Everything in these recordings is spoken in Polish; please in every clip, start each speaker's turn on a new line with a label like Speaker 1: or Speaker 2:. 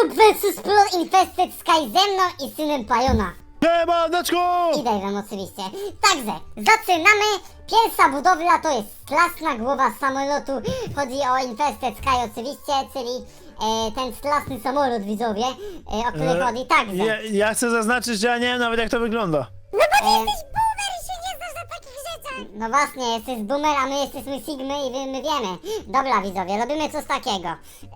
Speaker 1: Dziób vs Plot Infested Sky ze mną i synem Pajona.
Speaker 2: Siemaneczku!
Speaker 1: I Dave'em oczywiście. Także, zaczynamy. Pierwsza budowla to jest straszna głowa samolotu. Chodzi o Infested Sky oczywiście, czyli ten straszny samolot, widzowie, o który chodzi. Także.
Speaker 2: Ja chcę zaznaczyć, że ja nie wiem nawet jak to wygląda.
Speaker 1: No bo ty jesteś boomer i się nie znasz na takich rzeczach. No właśnie, jesteś boomer, a my jesteśmy Sigmy i my wiemy. Dobra, widzowie, robimy coś takiego.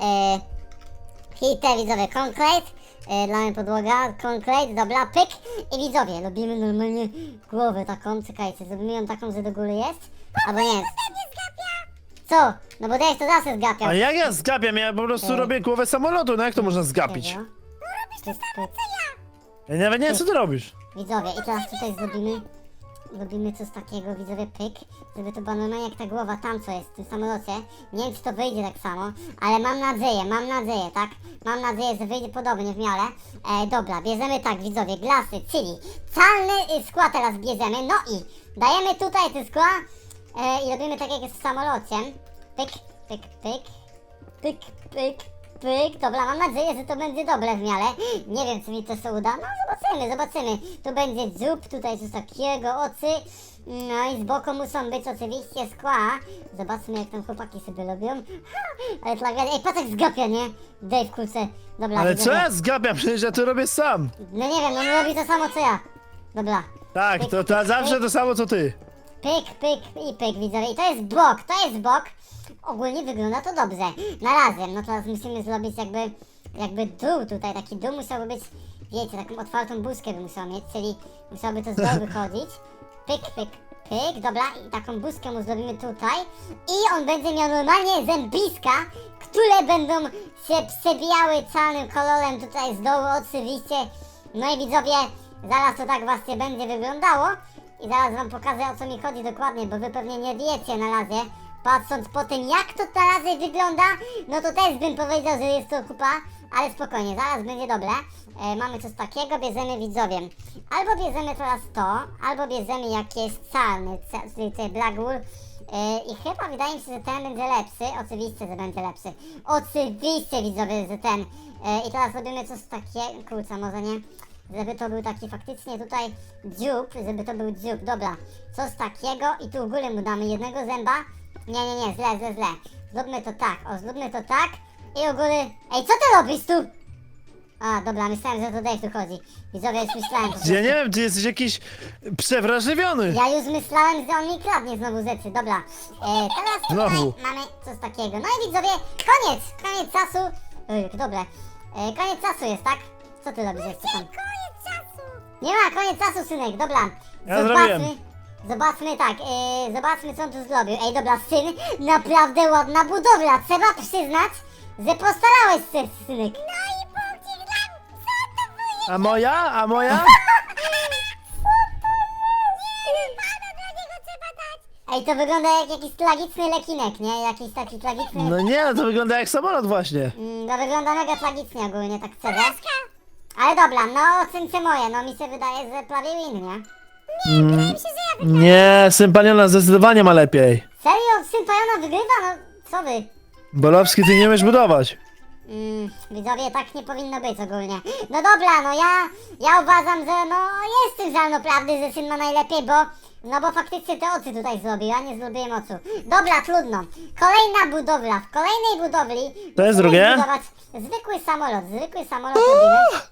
Speaker 1: Hite, widzowie, concrete. Dla mnie podłoga, concrete, dobra, pyk. I widzowie, robimy normalnie głowę taką, czekajcie, zrobimy ją taką, że do góry jest. Albo nie jest. Co? No bo Dave to zawsze zgapiał.
Speaker 2: A jak ja zgapiam? Ja po prostu robię głowę samolotu, no jak to można zgapić?
Speaker 1: No robisz to samo co ja.
Speaker 2: Ja nawet nie wiem co ty robisz.
Speaker 1: Widzowie, i teraz tutaj zrobimy coś takiego, widzowie, pyk, żeby to było normalnie jak ta głowa tam, co jest w tym samolocie. Nie wiem, czy to wyjdzie tak samo, ale mam nadzieję, tak? Mam nadzieję, że wyjdzie podobnie w miarę. Dobra, bierzemy tak, widzowie, glasy, czyli calny skła teraz bierzemy, no i dajemy tutaj te skła i robimy tak jak jest w samolocie. Pyk, pyk, pyk, pyk, pyk. Pyk, dobra, mam nadzieję, że to będzie dobre w miarę. Nie wiem, czy mi to się uda. No, zobaczymy. Tu będzie dziób, tutaj coś takiego, oczy. No i z boku muszą być oczywiście skła. Zobaczmy, jak tam chłopaki sobie robią. Ale tragedia. Ej, patrz jak zgapia, nie? Dave, kurczę. Dobra,
Speaker 2: Ale
Speaker 1: widzowie.
Speaker 2: co ja zgapiam? Przecież ja to robię sam.
Speaker 1: No nie wiem, on robi to samo co ja. Dobra.
Speaker 2: Tak, to zawsze to samo co ty.
Speaker 1: Pyk, pyk i pyk, widzowie. I to jest bok, Ogólnie wygląda to dobrze. Na razie, no teraz musimy zrobić jakby dół tutaj. Taki dół musiałby być, wiecie, taką otwartą buźkę by musiał mieć, czyli musiałby to z dołu wychodzić. Pyk, pyk, pyk, dobra, i taką buźkę mu zrobimy tutaj. I on będzie miał normalnie zębiska, które będą się przebijały czarnym kolorem tutaj z dołu oczywiście. No i widzowie, zaraz to tak właśnie będzie wyglądało. I zaraz wam pokażę, o co mi chodzi dokładnie, bo wy pewnie nie wiecie na razie. Patrząc po tym, jak to na razie wygląda, no to też bym powiedział, że jest to kupa, ale spokojnie, zaraz będzie dobre. Mamy coś takiego, bierzemy widzowie. Albo bierzemy teraz to, albo bierzemy jakieś calny, czyli ten Black Wool. I chyba wydaje mi się, że ten będzie lepszy. Oczywiście, że będzie lepszy. Oczywiście, widzowie, że ten. I teraz robimy coś takiego, kurczę, może nie. Żeby to był taki faktycznie tutaj dziób, żeby to był dziób, dobra. Coś takiego i tu u góry mu damy jednego zęba. Nie, źle. Zróbmy to tak, i u góry... Ej, co ty robisz tu? A, dobra, myślałem, że to Dave tu chodzi. Widzowie, już myślałem po prostu.
Speaker 2: Ja nie wiem, ty jesteś jakiś przewrażliwiony.
Speaker 1: Ja już myślałem, że on mi kradnie znowu rzeczy, dobra. Teraz tutaj
Speaker 2: Znowu.
Speaker 1: mamy coś takiego. No i widzowie, koniec czasu. Dobre. Koniec czasu jest, tak? Co ty robisz jeszcze tam? Nie ma, koniec czasu, synek, dobra.
Speaker 2: Ja zrobiłem.
Speaker 1: Zobaczmy tak, zobaczmy co on tu zrobił. Ej, dobra, syn, naprawdę ładna budowla. Trzeba przyznać, że postarałeś się, synek. No i punkcik dla... Co to było?
Speaker 2: A moja?
Speaker 1: Ej, to wygląda jak jakiś tragiczny lekinek, nie? Jakiś taki tragiczny...
Speaker 2: No nie, to wygląda jak samolot właśnie.
Speaker 1: No wygląda mega tragicznie ogólnie, tak szczerze. Ale dobra, no ocencie moje, no mi się wydaje, że prawie win, nie?
Speaker 2: Nie, syn Paniona zdecydowanie ma lepiej.
Speaker 1: Serio? Syn Pajona wygrywa? No, co wy?
Speaker 2: Bolowski, ty nie umiesz budować.
Speaker 1: Widzowie, tak nie powinno być ogólnie. No dobra, no ja uważam, że no jest tym ziarno prawdy, że syn ma najlepiej, bo faktycznie te oczy tutaj zrobił, a nie zrobiłem oczu. Dobra, trudno. Kolejna budowla. W kolejnej budowli
Speaker 2: To jest
Speaker 1: musimy
Speaker 2: drugie?
Speaker 1: zbudować zwykły samolot robimy.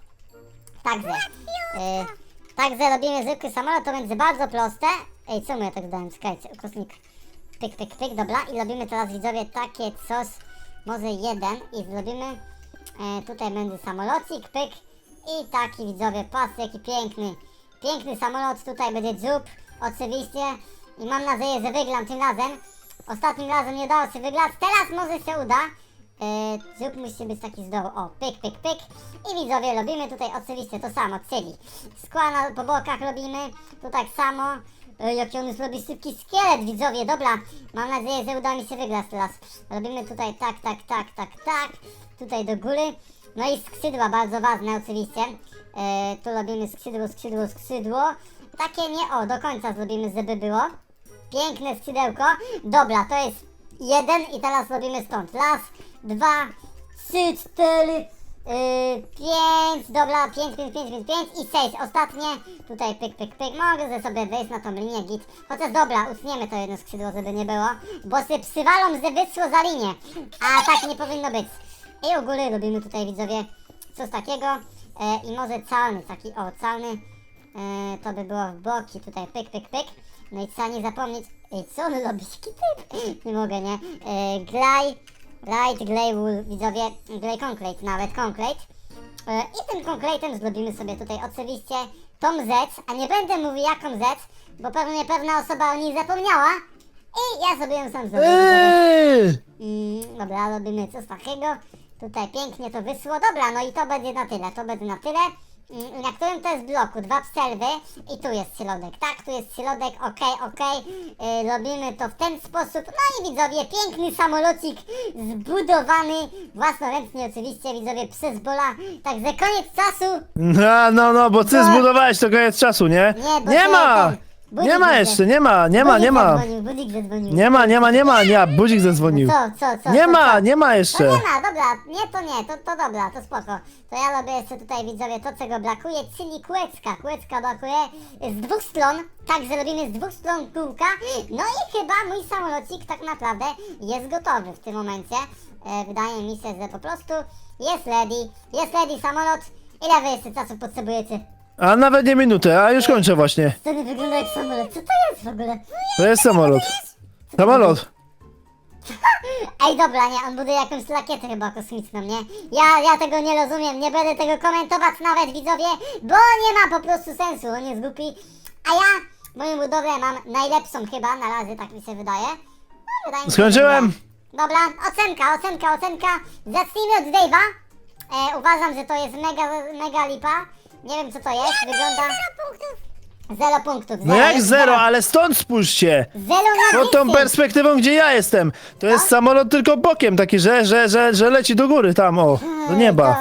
Speaker 1: Także robimy zwykły samolot, to będzie bardzo proste. Ej, co mu ja tak dałem? Czekajcie, ukośnik. Pyk, pyk, pyk, dobra. I robimy teraz, widzowie, takie coś, może jeden i zrobimy, tutaj będzie samolocik, pyk. I taki, widzowie, patrzcie, jaki piękny samolot, tutaj będzie dziób, oczywiście. I mam nadzieję, że wygram tym razem. Ostatnim razem nie udało się wygrać, teraz może się uda. Dziób musi być taki z dołu, o, pyk, pyk, pyk. I widzowie, robimy tutaj oczywiście to samo, czyli skła po bokach robimy, tu tak samo. Jaki on już robi szybki szkielet, widzowie, dobra. Mam nadzieję, że uda mi się wygrać teraz. Robimy tutaj tak. Tutaj do góry. No i skrzydła, bardzo ważne oczywiście. Tu robimy skrzydło. Takie nie, o, do końca zrobimy, żeby było. Piękne skrzydełko. Dobra, to jest jeden i teraz robimy stąd. Raz, dwa, trzy, cztery, 5, dobra, 5, 5, 5, 5, 5 i 6, ostatnie, tutaj pyk, pyk, pyk, mogę sobie wejść na tą linię git, chociaż dobra, utniemy to jedno skrzydło, żeby nie było, bo się przywalą, że wyszło za linię, a tak nie powinno być. I u góry robimy tutaj, widzowie, coś takiego i może calny, taki, o, calny, to by było w boki, tutaj pyk, pyk, pyk, no i trzeba nie zapomnieć, co on robi, nie mogę, nie, Light, Glay Wool, widzowie, Glay Concrete, nawet Concrete. I tym Concrete'em zrobimy sobie tutaj oczywiście tą rzecz, a nie będę mówił jaką rzecz, bo pewnie pewna osoba o niej zapomniała i ja sobie ją sam zrobię. Dobra, robimy coś takiego, tutaj pięknie to wyszło, dobra, no i to będzie na tyle, na którym to jest bloku, 2 przerwy i tu jest środek, tak, tu jest środek, okej. Robimy to w ten sposób, no i widzowie, piękny samolocik zbudowany własnoręcznie oczywiście, widzowie, przez Bola, także koniec czasu.
Speaker 2: No, bo ty
Speaker 1: Bo-
Speaker 2: zbudowałeś to koniec czasu, nie?
Speaker 1: Nie, bo
Speaker 2: Nie
Speaker 1: to
Speaker 2: ma!
Speaker 1: ten budzik
Speaker 2: Nie ma
Speaker 1: zadzwonił.
Speaker 2: jeszcze, nie ma.
Speaker 1: Budzik zadzwonił.
Speaker 2: Nie, budzik zadzwonił.
Speaker 1: Co?
Speaker 2: Nie ma
Speaker 1: To
Speaker 2: jeszcze.
Speaker 1: nie ma, dobra, to dobra, to spoko. To ja robię jeszcze tutaj, widzowie, to czego brakuje, czyli kółeczka. Kółeczka brakuje z 2 stron, także robimy z 2 stron kółka. No i chyba mój samolocik tak naprawdę jest gotowy w tym momencie. Wydaje mi się, że po prostu jest ready samolot. Ile wy jeszcze czasu potrzebujecie?
Speaker 2: A nawet nie minutę, a już kończę właśnie.
Speaker 1: To nie wygląda jak samolot, co to jest w ogóle?
Speaker 2: To jest samolot. Samolot.
Speaker 1: Ej, dobra, nie, on buduje jakąś rakietę chyba kosmiczną, nie? Ja tego nie rozumiem, nie będę tego komentować nawet, widzowie, bo nie ma po prostu sensu, on jest głupi. A ja moją budowlę mam najlepszą chyba, na razie tak mi się wydaje. No, wydaje mi się,
Speaker 2: Skończyłem.
Speaker 1: że dobra, ocenka. Zacznijmy od Dave'a. Uważam, że to jest mega lipa. Nie wiem co to jest, wygląda... 0 punktów.
Speaker 2: No jak zero, ale stąd spójrzcie.
Speaker 1: 0 na
Speaker 2: Pod tą
Speaker 1: 10.
Speaker 2: perspektywą, gdzie ja jestem. To jest samolot tylko bokiem, taki, że leci do góry tam, o, do nieba.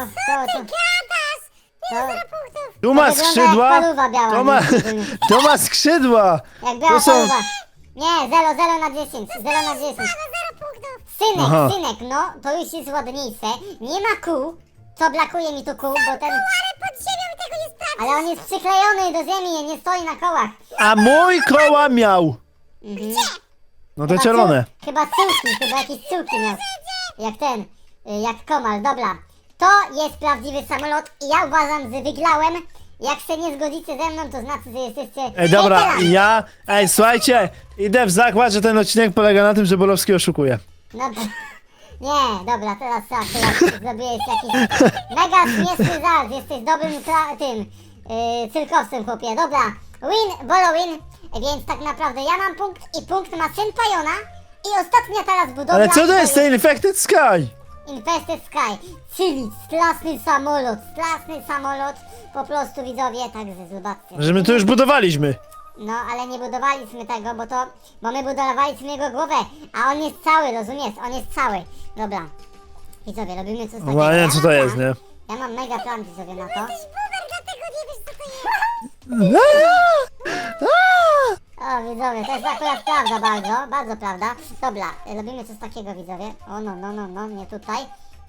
Speaker 2: Tu ma
Speaker 1: wygląda jak
Speaker 2: skrzydła,
Speaker 1: paluwa biała,
Speaker 2: to ma skrzydła.
Speaker 1: Jak biała
Speaker 2: To są-
Speaker 1: paluwa. Nie, 0 na 10, 0 na 10.
Speaker 2: Aha.
Speaker 1: Synek, no, to już jest ładniejsze. Nie ma kół. Co brakuje mi tu kół, bo ten...
Speaker 3: Ale pod ziemią tego nie sprawdzi.
Speaker 1: Ale on jest przyklejony do ziemi, nie stoi na kołach.
Speaker 2: A mój koła miał. No te czerwone.
Speaker 1: Chyba jakieś cyłki miał. Jak ten, jak Komal, dobra. To jest prawdziwy samolot i ja uważam, że wygrałem. Jak się nie zgodzicie ze mną, to znaczy, że jesteście...
Speaker 2: Ej, dobra,
Speaker 1: hejterami.
Speaker 2: słuchajcie, idę w zakład, że ten odcinek polega na tym, że Bolowski oszukuje.
Speaker 1: No to... Nie, dobra, teraz zrobiłeś jakiś mega śmieszny żart, jesteś dobrym cyrkowcem, chłopie, dobra, Bolo win, więc tak naprawdę ja mam punkt i punkt ma syn Pajona i ostatnia teraz budowla...
Speaker 2: Ale co to jest ten Infected Sky?
Speaker 1: Infested Sky, czyli straszny samolot, po prostu widzowie, także zobaczcie.
Speaker 2: Że my to już budowaliśmy.
Speaker 1: No, ale nie budowaliśmy tego, bo my budowaliśmy jego głowę, a on jest cały, rozumiesz? On jest cały. Dobra. Widzowie, robimy coś takiego.
Speaker 2: No, nie wiem co to
Speaker 1: mam
Speaker 2: jest,
Speaker 1: plan.
Speaker 2: nie?
Speaker 1: Ja mam mega plan, widzowie, na to.
Speaker 3: Jesteś boomer, dlatego nie wiesz co to jest.
Speaker 1: O, widzowie, to jest akurat prawda, bardzo prawda. Dobra, robimy coś takiego, widzowie. O, no, nie tutaj.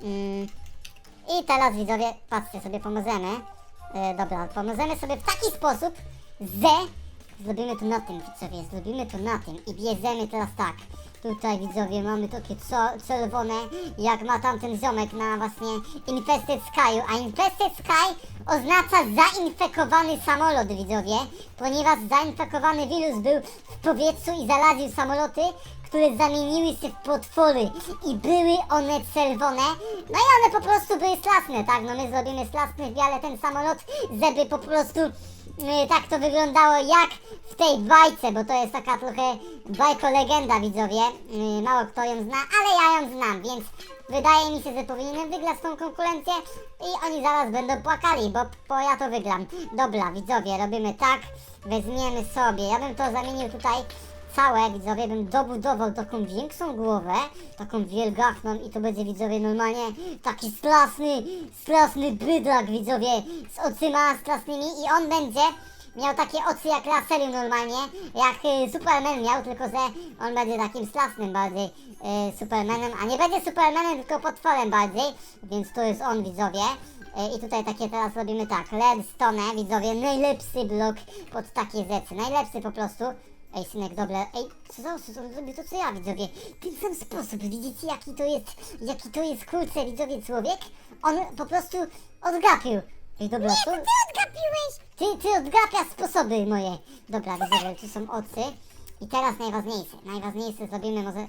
Speaker 1: I teraz, widzowie, patrzcie, sobie pomożemy. Dobra, pomożemy sobie w taki sposób, że zrobimy to na tym, widzowie, i bierzemy teraz tak. Tutaj, widzowie, mamy takie czerwone, jak ma tamten ziomek na właśnie Infested Sky'u, a Infested Sky oznacza zainfekowany samolot, widzowie, ponieważ zainfekowany wirus był w powietrzu i zaraził samoloty, które zamieniły się w potwory i były one czerwone, no i one po prostu były straszne, tak, no my zrobimy straszny w biale ten samolot, żeby po prostu tak to wyglądało jak w tej bajce, bo to jest taka trochę bajko-legenda, widzowie, mało kto ją zna, ale ja ją znam, więc wydaje mi się, że powinienem wygrać tą konkurencję i oni zaraz będą płakali, bo ja to wygram. Dobra, widzowie, robimy tak, weźmiemy sobie, ja bym to zamienił tutaj całe, widzowie, bym dobudował taką większą głowę, taką wielgachną i to będzie, widzowie, normalnie taki straszny bydlak, widzowie, z oczyma strasznymi i on będzie miał takie oczy jak Laserium normalnie, jak Superman miał, tylko że on będzie takim strasznym bardziej Supermanem, a nie będzie Supermanem, tylko potworem bardziej, więc to jest on, widzowie. I tutaj takie teraz robimy tak, redstone, widzowie, najlepszy blok pod takie rzeczy, najlepszy po prostu. Ej, synek, dobra, ej, co on zrobił to co ja, widzowie, w ten sam sposób, widzicie jaki to jest, kurczę, widzowie, człowiek? On po prostu odgapił. Ej, dobra,
Speaker 3: Nie, to ty odgapiłeś!
Speaker 1: ty odgapiasz sposoby moje. Dobra, widzowie, tu są oczy. I teraz najważniejsze zrobimy może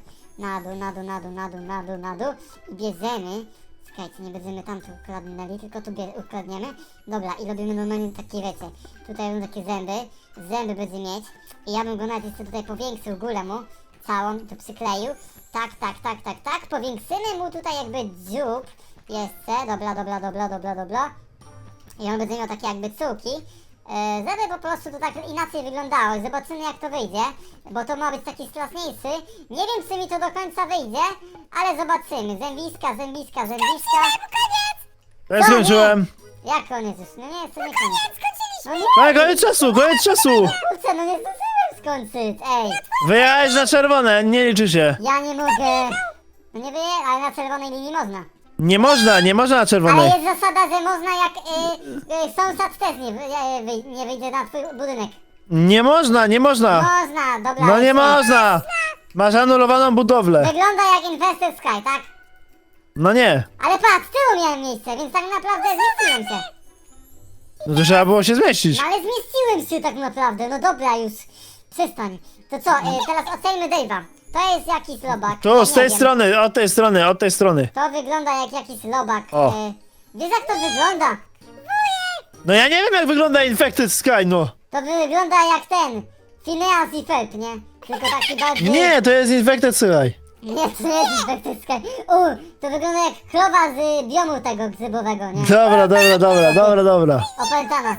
Speaker 1: na dół i bierzemy. Czekajcie, nie będziemy tam tu ukradnęli, tylko tu ukradniemy. Dobra, i robimy normalnie takie wiecie. Tutaj będą takie zęby będzie mieć. I ja bym go nawet jeszcze tutaj powiększył górę mu, całą, to przykleił. Tak, powiększymy mu tutaj jakby dziób. Jeszcze, dobra. I on będzie miał takie jakby cuki, żeby po prostu to tak inaczej wyglądało. Zobaczymy jak to wyjdzie, bo to ma być taki straszniejszy. Nie wiem czy mi to do końca wyjdzie, ale zobaczymy. Zębiska.
Speaker 3: Koniec!
Speaker 2: To ja skończyłem.
Speaker 1: Jak koniec już? No nie, to nie koniec.
Speaker 3: Skończyliśmy!
Speaker 1: No nie,
Speaker 2: Ale koniec czasu,
Speaker 1: kurczę, no nie zdążyłem skończyć, ej.
Speaker 2: Wyjechałeś na czerwone, nie liczy się.
Speaker 1: Ja nie mogę. No nie wyje, ale na czerwonej linii można.
Speaker 2: Nie można na
Speaker 1: Ale
Speaker 2: czerwonej.
Speaker 1: jest zasada, że można jak sąsiad też nie wyjdzie na twój budynek.
Speaker 2: Nie można.
Speaker 1: Można, dobra.
Speaker 2: No nie
Speaker 1: jest-
Speaker 2: można. Masz anulowaną budowlę.
Speaker 1: Wygląda jak Infested Sky, tak?
Speaker 2: No nie.
Speaker 1: Ale patrz, tyłu miałem miejsce, więc tak naprawdę zmieściłem się.
Speaker 2: No to trzeba było się zmieścić.
Speaker 1: No ale zmieściłem się tak naprawdę, no dobra już. Przestań. To co, teraz ocenimy Dave'a. To jest jakiś robak. ja
Speaker 2: Tu, z
Speaker 1: nie
Speaker 2: tej
Speaker 1: wiem.
Speaker 2: strony, od tej strony.
Speaker 1: To wygląda jak jakiś robak.
Speaker 2: O.
Speaker 1: Wiesz jak to wygląda?
Speaker 2: No ja nie wiem jak wygląda Infected Sky, no.
Speaker 1: To wygląda jak ten. Phineas i Ferb, nie? Tylko taki bardziej...
Speaker 2: Nie, to jest Infected Sky.
Speaker 1: Nie, to nie jest Infected Sky. To wygląda jak krowa z biomu tego grzybowego, nie?
Speaker 2: Dobra.
Speaker 1: Opętana.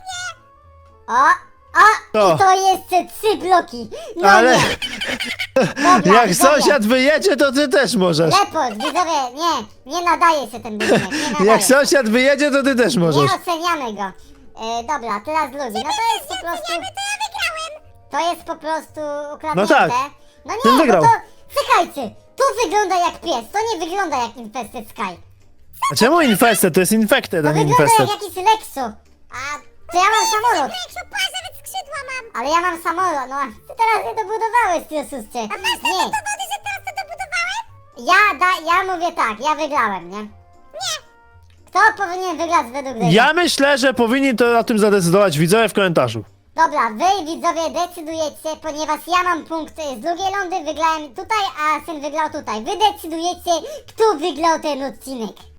Speaker 2: To.
Speaker 1: I to jeszcze 3 bloki. No
Speaker 2: Ale
Speaker 1: nie. Dobra,
Speaker 2: jak
Speaker 1: widzowie.
Speaker 2: sąsiad wyjedzie, to ty też możesz.
Speaker 1: Report, widzowie, nie nadaje się ten budynek, nie nadaje.
Speaker 2: Jak sąsiad wyjedzie, to ty też możesz.
Speaker 1: Nie oceniamy go. Dobra, teraz ludzi. No to jest po prostu...
Speaker 3: To ja wygrałem!
Speaker 1: To jest po prostu ukradnięte.
Speaker 2: No tak.
Speaker 1: No nie,
Speaker 2: Ten wygrał.
Speaker 1: no to... Czekajcie, to wygląda jak pies, to nie wygląda jak Infested Sky.
Speaker 2: A czemu Infested? To jest Infected,
Speaker 1: To
Speaker 2: a nie
Speaker 1: wygląda
Speaker 2: Infested.
Speaker 1: jak jakiś Lexo. A to ja mam samolot.
Speaker 3: Rekszu, patrz, nawet skrzydła mam!
Speaker 1: Ale ja mam samolot, no. Ty teraz nie dobudowałeś, ty osuście.
Speaker 3: A masz takie
Speaker 1: Nie.
Speaker 3: dowody, że teraz to dobudowałem?
Speaker 1: Ja mówię tak, ja wygrałem, nie?
Speaker 3: Nie!
Speaker 1: Kto powinien wygrać według Dave'a?
Speaker 2: Ja myślę, że powinni to o tym zadecydować widzowie w komentarzu.
Speaker 1: Dobra, wy widzowie decydujecie, ponieważ ja mam punkty z drugiej rundy, wygrałem tutaj, a syn wygrał tutaj. Wy decydujecie, kto wygrał ten odcinek.